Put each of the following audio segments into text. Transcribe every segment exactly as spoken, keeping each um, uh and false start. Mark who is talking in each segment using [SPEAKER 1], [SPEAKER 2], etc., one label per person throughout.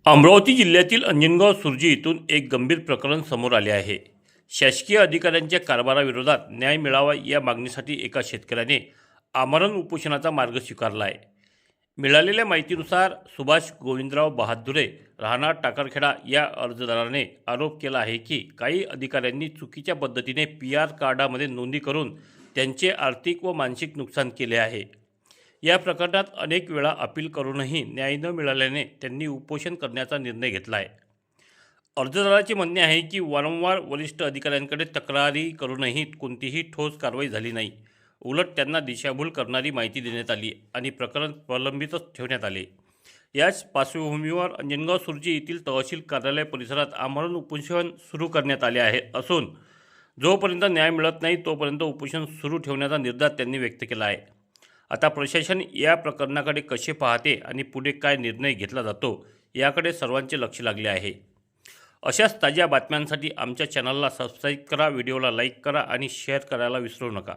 [SPEAKER 1] अमरावती जिल्ह्यातील अंजनगाव सुर्जी येथून एक गंभीर प्रकरण समोर आले आहे। शासकीय अधिकाऱ्यांच्या कारभाराविरोधात न्याय मिळावा या मागणीसाठी एका शेतकऱ्याने आमरण उपोषणाचा मार्ग स्वीकारला आहे। मिळालेल्या माहितीनुसार सुभाष गोविंदराव बहादुरे राहणार टाकरखेडा या अर्जदाराने आरोप केला आहे की काही अधिकाऱ्यांनी चुकीच्या पद्धतीने पी आर कार्डामध्ये नोंदणी करून त्यांचे आर्थिक व मानसिक नुकसान केले आहे। या प्रकरणात अनेक वेळा अपील करूनही न्याय न मिळाल्याने त्यांनी उपोषण करण्याचा निर्णय घेतला आहे। अर्जदाराचे म्हणणे आहे की वारंवार वरिष्ठ अधिकाऱ्यांकडे तक्रारी करूनही कोणतीही ठोस कारवाई झाली नाही। उलट त्यांना दिशाभूल करणारी माहिती देण्यात आली आणि प्रकरण प्रलंबितच ठेवण्यात आले। याच पार्श्वभूमीवर अंजनगाव सुर्जी येथील तहसील कार्यालय परिसरात आमरण उपोषण सुरू करण्यात आले आहे असून जोपर्यंत न्याय मिळत नाही तोपर्यंत उपोषण सुरू ठेवण्याचा निर्धार त्यांनी व्यक्त केला आहे। आता प्रशासन या प्रकरणाकडे कसे पाहते आणि पुढे काय निर्णय घेतला जातो याकडे सर्वांचे लक्ष लागले आहे। अशाच ताज्या बातम्यांसाठी आमच्या चॅनलला सबस्क्राईब करा, व्हिडिओला लाईक करा आणि शेअर करायला विसरू नका।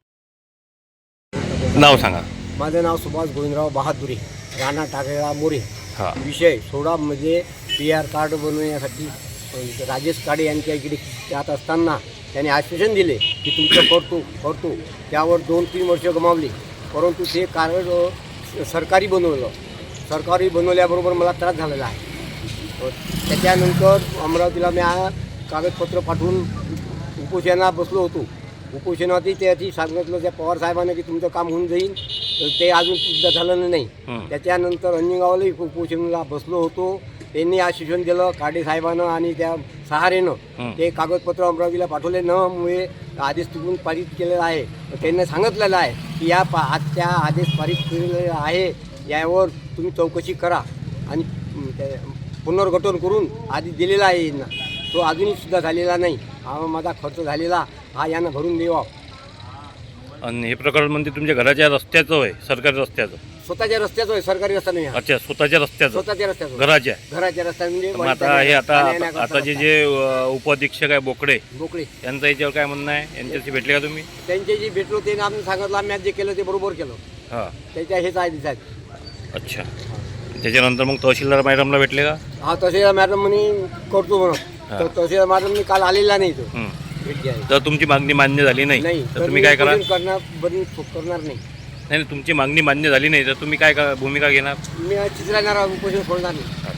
[SPEAKER 1] नाव सांगा।
[SPEAKER 2] माझं नाव सुभाष गोविंदराव बहादुरे, राहणार टाकळा मोरे।
[SPEAKER 1] हां,
[SPEAKER 2] विषय सोडामध्ये पी आर कार्ड बनवण्यासाठी राजेश काळे यांच्या इकडे त्यात असताना त्यांनी आश्वासन दिले की तुमचं करतो करतो त्यावर दोन तीन वर्ष गमावली, परंतु ते कार्ड सरकारी बनवलं। सरकारी बनवल्याबरोबर मला त्रास झालेला आहे। त्याच्यानंतर अमरावतीला मी कागदपत्र पाठवून उपोषणाला बसलो होतो। उपोषणावरती त्याची सांगितलं त्या पवार साहेबांना की तुमचं काम होऊन जाईल, ते अजून सुद्धा झालं नाही। त्याच्यानंतर अंजनगावलाही उपोषणाला बसलो होतो। त्यांनी आश्वासन दिलं काडे साहेबांना आणि त्या सहारेनं ते कागदपत्र अमरावतीला पाठवले न मुळे आदेश तिकडून पारित केलेला आहे। त्यांनी सांगितलेलं आहे की या पा त्या आदेश पारित केलेला आहे यावर तुम्ही चौकशी करा आणि पुनर्गठन करून आदेश दिलेला आहे यांना, तो अजूनही सुद्धा झालेला नाही। हा माझा खर्च झालेला हा यांना भरून द्यावा।
[SPEAKER 1] आणि हे प्रकरण म्हणजे तुमच्या घराच्या रस्त्याचं आहे, सरकारी रस्त्याचं?
[SPEAKER 2] स्वतःच्या रस्त्याचं आहे, सरकारी रस्ता नाही।
[SPEAKER 1] अच्छा, स्वतःच्या रस्त्याचं?
[SPEAKER 2] स्वतःच्या रस्त्याचं,
[SPEAKER 1] घराच्या
[SPEAKER 2] घराच्या रस्त्या म्हणजे
[SPEAKER 1] आता हे आता आता जे जे उपअधीक्षक आहे बोकडे
[SPEAKER 2] बोकडे
[SPEAKER 1] यांचं याच्यावर काय म्हणणं आहे? यांच्याशी भेटले का तुम्ही?
[SPEAKER 2] त्यांच्याशी भेटलो, ते आम्ही सांगितलं आम्ही जे केलं ते बरोबर केलं।
[SPEAKER 1] हां,
[SPEAKER 2] त्याच्या हेच आदेश आहेत।
[SPEAKER 1] अच्छा, त्याच्यानंतर मग तहसीलदार मॅडमला भेटले का?
[SPEAKER 2] हा, तहसीलदार मॅडम म्हणे करतो म्हणून, तर तहसीलदार मॅडमनी काल आलेला नाही तो भेट घ्यायला।
[SPEAKER 1] तर तुमची मागणी मान्य झाली नाही
[SPEAKER 2] नाही
[SPEAKER 1] तर तुम्ही काय करा?
[SPEAKER 2] करणार बंद करणार नाही।
[SPEAKER 1] नाही, तुमची मागणी मान्य झाली नाही तर तुम्ही काय भूमिका घेणार?
[SPEAKER 2] मी चित्र उपोषण सोडणार नाही।